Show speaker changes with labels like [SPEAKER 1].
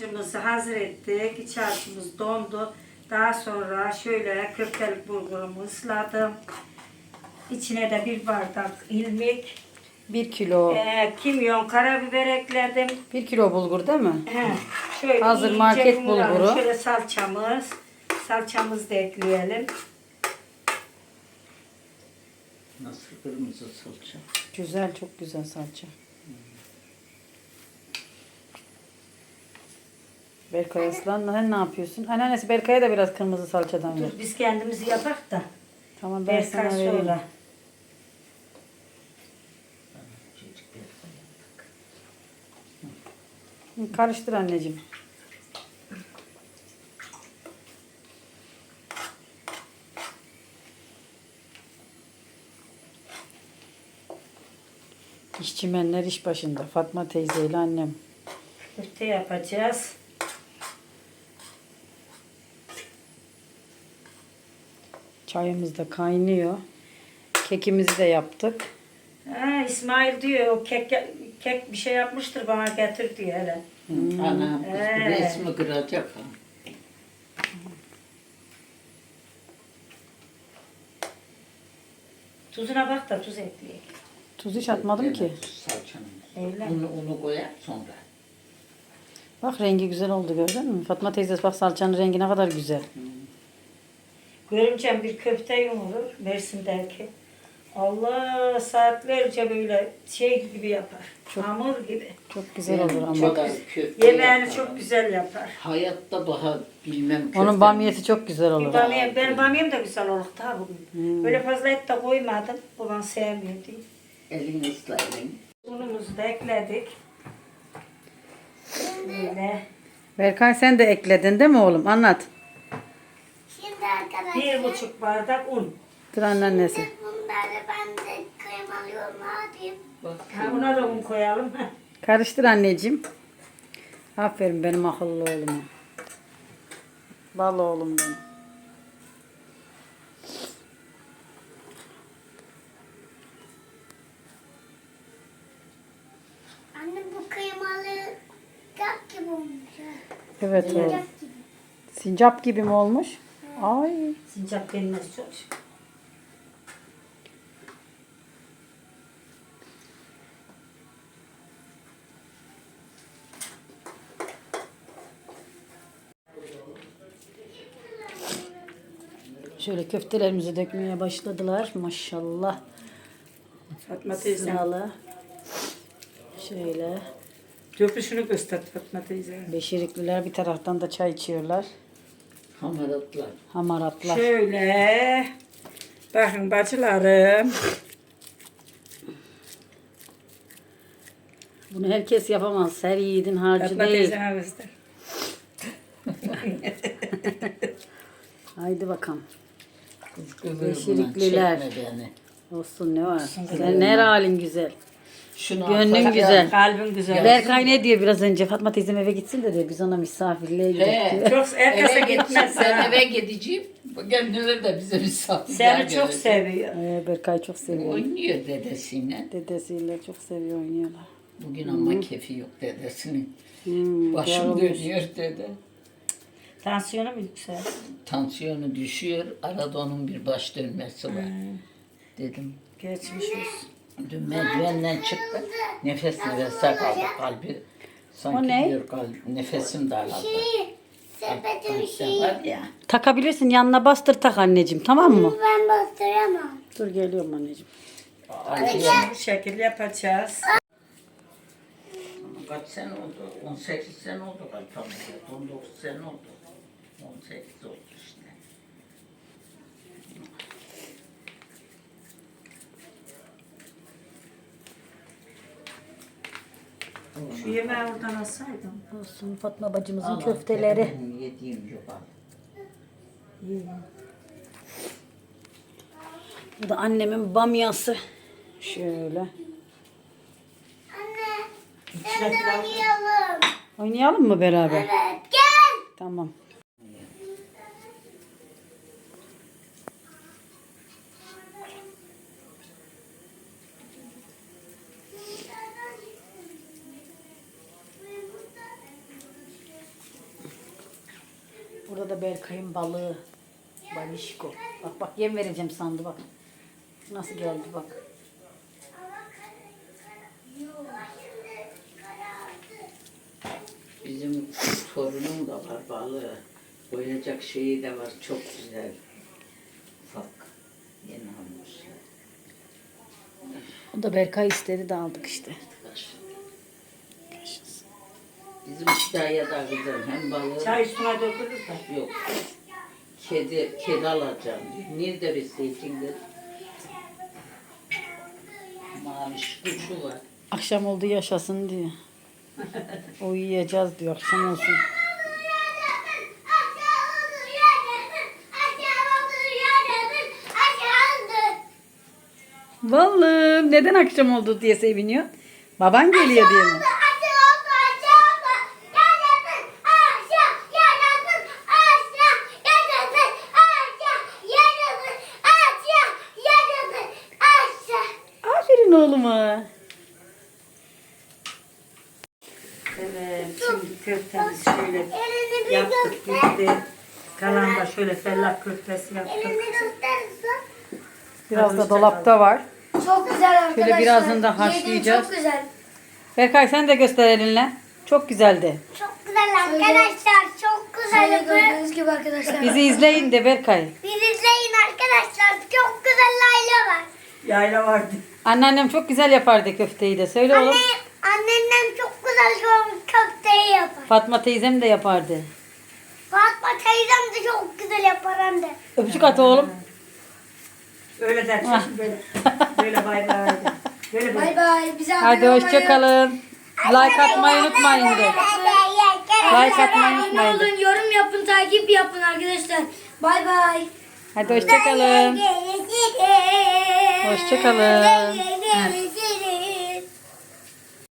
[SPEAKER 1] harcımızı hazır ettik. İç harcımız dondu. Daha sonra şöyle köftelik bulgurumu ısladım. İçine de bir bardak ilmik,
[SPEAKER 2] 1 kilo.
[SPEAKER 1] kimyon, karabiber ekledim.
[SPEAKER 2] 1 kilo bulgur değil mi?
[SPEAKER 1] Şöyle
[SPEAKER 2] Hazır
[SPEAKER 1] iyice
[SPEAKER 2] market
[SPEAKER 1] yumuralım.
[SPEAKER 2] bulguru.
[SPEAKER 1] Şöyle salçamızı da ekleyelim.
[SPEAKER 3] Nasıl kırmızı salça?
[SPEAKER 2] Güzel, çok güzel salça. Berkay Aslan, sen ne yapıyorsun? Anneannesi Berkay'a da biraz kırmızı salçadan ver.
[SPEAKER 1] Dur biz kendimizi yapak da.
[SPEAKER 2] Tamam, ben sana
[SPEAKER 1] Berkay
[SPEAKER 2] vereyim.
[SPEAKER 1] sonra.
[SPEAKER 2] Karıştır anneciğim. İşçimenler iş başında. Fatma teyzeyle annem.
[SPEAKER 1] Köfte yapacağız.
[SPEAKER 2] Çayımız da kaynıyor. Kekimizi de yaptık.
[SPEAKER 1] İsmail diyor o kek bir şey yapmıştır bana getir diyor hele.
[SPEAKER 3] Anam kız bu resmi kıracak ha.
[SPEAKER 1] Tuzuna bak da tuz ekleyek.
[SPEAKER 2] Tuz hiç atmadım ki.
[SPEAKER 3] Salçanın.
[SPEAKER 1] Öyle.
[SPEAKER 3] Unu koyar sonra.
[SPEAKER 2] Bak rengi güzel oldu, gördün mü? Fatma teyze bak salçanın rengi ne kadar güzel.
[SPEAKER 1] Görümcem bir köfte yumurur Mersin'deki. Allah saatlerce böyle şey gibi yapar. Hamur gibi.
[SPEAKER 2] Çok güzel olur ama.
[SPEAKER 3] Çok köfte
[SPEAKER 1] Yemeğini
[SPEAKER 3] yapar.
[SPEAKER 1] çok güzel yapar.
[SPEAKER 3] Hayatta daha bilmem köfte.
[SPEAKER 2] Onun bamyesi çok güzel olur.
[SPEAKER 1] Benim bamyam da güzel olur daha bugün. Böyle fazla et de koymadım. Babam sevmiyor diye.
[SPEAKER 3] Elini ısla elini.
[SPEAKER 1] Unumuzu da ekledik. Böyle.
[SPEAKER 2] Berkay sen de ekledin değil mi oğlum? Anlat.
[SPEAKER 4] Şimdi arkadaşlar
[SPEAKER 1] 1,5 bardak un.
[SPEAKER 2] Dur anneannesi.
[SPEAKER 4] bunları ben de kıymalıyorum. Ne yapayım?
[SPEAKER 1] Ha, buna da un koyalım.
[SPEAKER 2] Karıştır anneciğim. Aferin benim akıllı oğluma. Bal oğlum benim.
[SPEAKER 4] Anne bu kıymalı kap gibi olmuş. Ha.
[SPEAKER 2] Evet oğlum.
[SPEAKER 4] Kap gibi.
[SPEAKER 2] Sincap gibi mi olmuş? Ay.
[SPEAKER 1] Sincap denmez çok.
[SPEAKER 2] Şöyle köftelerimizi dökmeye başladılar. Maşallah.
[SPEAKER 1] Fatma teyze.
[SPEAKER 2] Sıralı. Şöyle.
[SPEAKER 1] Döküşünü göster Fatma teyze.
[SPEAKER 2] Beşirikliler bir taraftan da çay içiyorlar.
[SPEAKER 3] Hamaratlar.
[SPEAKER 2] Hamaratlar.
[SPEAKER 1] Şöyle. Bakın bacılarım.
[SPEAKER 2] Bunu herkes yapamaz. Her yiğidin harcı
[SPEAKER 1] Fatma
[SPEAKER 2] değil.
[SPEAKER 1] teyzeme göster.
[SPEAKER 2] Haydi bakalım.
[SPEAKER 3] Kız kıvır
[SPEAKER 2] Beşirikliler.
[SPEAKER 3] buna, çekme beni.
[SPEAKER 2] Olsun ne var? Sen her halin güzel.
[SPEAKER 3] Şunu
[SPEAKER 2] Gönlün
[SPEAKER 3] atacağım.
[SPEAKER 2] güzel.
[SPEAKER 1] Kalbin güzel.
[SPEAKER 2] Berkay ne diyor biraz önce? Fatma teyzem eve gitsin de diyor. Biz ona misafirliğe gidelim diyor.
[SPEAKER 1] Çok herkese
[SPEAKER 3] Eve
[SPEAKER 1] gitmez.
[SPEAKER 3] gitmez. Ben eve gideceğim. Kendileri de bize misafirler
[SPEAKER 1] Seni çok
[SPEAKER 3] gelecek.
[SPEAKER 1] seviyor.
[SPEAKER 2] Berkay çok seviyor.
[SPEAKER 3] Oynuyor dedesiyle.
[SPEAKER 2] Dedesiyle çok seviyor, oynuyorlar.
[SPEAKER 3] Bugün ama kefi yok dedesinin.
[SPEAKER 2] Hmm,
[SPEAKER 3] Başım
[SPEAKER 2] doğru.
[SPEAKER 3] dönüyor dede.
[SPEAKER 1] Tansiyonu mu yükseldi?
[SPEAKER 3] Tansiyonu düşüyor. Arada onun bir baş dönmesi var. Dedim.
[SPEAKER 1] Geçmiş olsun.
[SPEAKER 3] Dün merdivenden çıktı. Nefes nefese kaldı. Kalbi sanki
[SPEAKER 2] O ne?
[SPEAKER 3] diyor nefesim daraldı.
[SPEAKER 4] Sepetin
[SPEAKER 3] Kalpte
[SPEAKER 4] şeyi.
[SPEAKER 3] var ya.
[SPEAKER 2] Takabilirsin, yanına bastır tak anneciğim, tamam mı?
[SPEAKER 4] Ben bastıramam.
[SPEAKER 2] Dur geliyorum anneciğim.
[SPEAKER 1] Bu şekilde yapacağız.
[SPEAKER 3] Kaç sene oldu? 18 sene oldu galiba. 19 sene oldu. 18 oldu işte.
[SPEAKER 1] Şu yemeği oradan alsaydım.
[SPEAKER 2] Olsun Fatma bacımızın
[SPEAKER 3] Allah
[SPEAKER 2] köfteleri.
[SPEAKER 3] benim yediğim yok abi.
[SPEAKER 2] Bu da annemin bamyası. Şöyle.
[SPEAKER 4] Anne sen de oynayalım.
[SPEAKER 2] Oynayalım mı beraber?
[SPEAKER 4] Evet gel.
[SPEAKER 2] Tamam. Burada da Berkay'ın balığı. Balişko. Bak bak yem vereceğim sandı bak. Nasıl geldi bak.
[SPEAKER 3] Bizim torunum da var balığı. Koyacak şeyi de var çok güzel. Ufak. Yeni almışlar.
[SPEAKER 2] O da Berkay istedi de aldık işte.
[SPEAKER 3] Bizim hikaye da güzel. Hem balığı
[SPEAKER 1] Çay üstüne dökülür de.
[SPEAKER 3] yok. Kedi alacağım. Nerede besleyecekler? Maviş kuşu var.
[SPEAKER 2] Akşam oldu yaşasın diyor. Uyuyacağız diyor akşam olsun. Vallahi neden akşam oldu diye seviniyor. Baban geliyor diye mi? Aferin oğluma.
[SPEAKER 1] Evet, şimdi köftemizi şöyle yaptık, bitti. Kalan da şöyle fellah köftesi yaptık.
[SPEAKER 2] Biraz da dolapta var.
[SPEAKER 5] Çok güzel arkadaşlar.
[SPEAKER 2] Şöyle birazını da
[SPEAKER 5] Yedim,
[SPEAKER 2] haşlayacağız.
[SPEAKER 5] çok güzel.
[SPEAKER 2] Berkay sen de göster elinle. Çok güzeldi.
[SPEAKER 4] Çok güzel arkadaşlar. Çok güzel.
[SPEAKER 5] Şöyle gördüğünüz gibi arkadaşlar.
[SPEAKER 2] Bizi izleyin de Berkay.
[SPEAKER 4] Bizi izleyin arkadaşlar. Çok güzel aile var.
[SPEAKER 1] Yayla vardı.
[SPEAKER 2] Anneannem çok güzel yapardı köfteyi de. Söyle oğlum.
[SPEAKER 4] Anneannem çok güzel köfteyi yapar.
[SPEAKER 2] Fatma teyzem de yapardı.
[SPEAKER 4] Fatma teyzem de çok güzel yapar hem de.
[SPEAKER 2] Öpücük at oğlum.
[SPEAKER 1] Öyle der. Böyle, böyle bay bay. Böyle
[SPEAKER 5] Bay bay. Bize
[SPEAKER 2] Hadi
[SPEAKER 5] abone
[SPEAKER 2] hoşça kalın. Like atmayı unutmayın de. Like atmayı
[SPEAKER 5] Abone
[SPEAKER 2] unutmayın de.
[SPEAKER 5] olun, yorum yapın, takip yapın arkadaşlar. Bay bay.
[SPEAKER 2] Hadi hoşça kalın. Hoşça kalın.
[SPEAKER 4] Hoşçakalın.